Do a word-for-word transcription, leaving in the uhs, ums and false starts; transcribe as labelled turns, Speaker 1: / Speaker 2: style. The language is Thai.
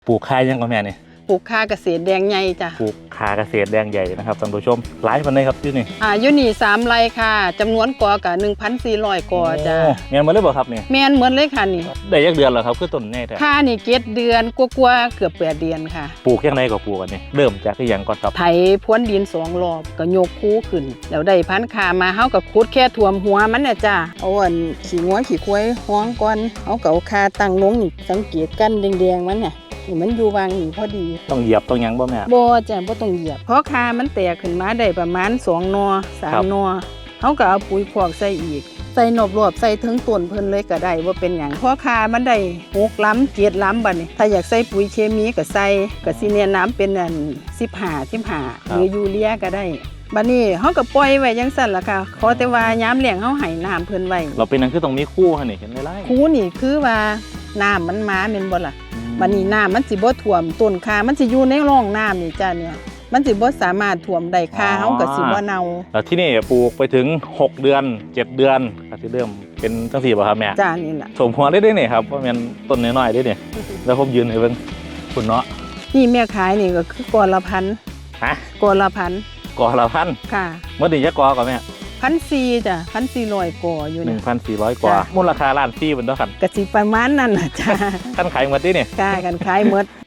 Speaker 1: ปลูกคายยังก่อนแม่นี่
Speaker 2: ปลูกคาเกษตรแดงใหญ่จ้ะ
Speaker 1: ปลูกคาเกษตรแดงใหญ่นะครับท่านผู้ชมหลายคนเลยครับที่นี่
Speaker 2: อ่าอยู่นี่สามไร่ค่ะจำนวนกอกับหนึ่งพันสี่ร้อยกอจ้ะ
Speaker 1: แม่นมาเลยบ่ครับนี่
Speaker 2: แม่นเหมือนเลยค่ะนี่
Speaker 1: ได้ยักเดือนแล้วครับคือต้นแน่แท้
Speaker 2: ค่านี่เจ็ดเดือนกว่าๆเกือบแปดเดือนค่ะ
Speaker 1: ปลูกยังไงก็ปลูกกันนี่เริ่มจากที่ยังก่อนครับ
Speaker 2: ไถพรวนดินสองรอบก็ยกคูขึ้นแล้วได้พันธุ์คามาเฮาก็ขุดแค่ท่วมหัวมันน่ะจ้ะเอาอันขี้งัวขี้ควายห้องก่อนเฮาก็เอาคาตั้งลงนี่สังเกตกันแดงๆมันน่ะนี่มันอยู่วางนี่พอดี
Speaker 1: ต้องเหยียบต้องยังบ่แม่
Speaker 2: บ่จ้ะบ่ต้องเหยียบเพราะคามันแตกขึ้นมาได้ประมาณสองนอสามนอเฮาก็เอาปุ๋ยคอกใส่อีกใส่นบรอบใส่ถึงต้นเพิ่นเลยก็ได้บ่เป็นหยังเพราะคามันได้หกลำเจ็ดลำบัดนี้ถ้าอยากใส่ปุ๋ยเคมีก็ใส่ก็สิแนะนำเป็นอันสิบห้า สิบห้าหรือยูเรียก็ได้บัดนี้เฮาก็ปล่อยไว้จังซั่นล่ะค่ะขอแต่ว่ายามแล้งเฮาให้น้ำเพิ่นไว้
Speaker 1: เราเป็นนั่นคือต้องมีคู่หั่นนี่เห็นหลาย
Speaker 2: ๆคูนี่คือว่าน้ำมันมาแม่นบ่ล่ะบัดนี้น้ำมันสิบ่ท่วมต้นคามันสิอยู่ในร่องน้ำนี่จ้ะเนี่ยมันสิบ่สามารถท่วมได้คาเฮาก็สิบ่เน่า
Speaker 1: แล้วที่นี่ปลูกไปถึงหกเดือนเจ็ดเดือนก็สิเริ่มเป็นจังซี่บ่ครับแม่
Speaker 2: จ้านี่ล่ะ
Speaker 1: สมหัวได้เด้นี่ครับว่าแม่นต้นน้อยๆเด้นี่แล้วผมยืนให้เบิ่งคุณเนาะ
Speaker 2: นี่แม่ขายนี่ก็คือกอละพัน
Speaker 1: ฮะ
Speaker 2: กอละพัน
Speaker 1: กอละพัน
Speaker 2: ค่ะ
Speaker 1: เมื่อนี้จะกอก่อนแม่
Speaker 2: พันสี่จ้ะพันสี่ร้อยกออยู่
Speaker 1: หนึ่
Speaker 2: นี่
Speaker 1: งพันสี่ร้อยกว่ามูลค่าล้านสี่เป็นเท่ากัน
Speaker 2: กะสิประมาณนั้นน่ะจ้า
Speaker 1: ท่านขายหมดดิเนี่ย
Speaker 2: กล้ากันขายหมด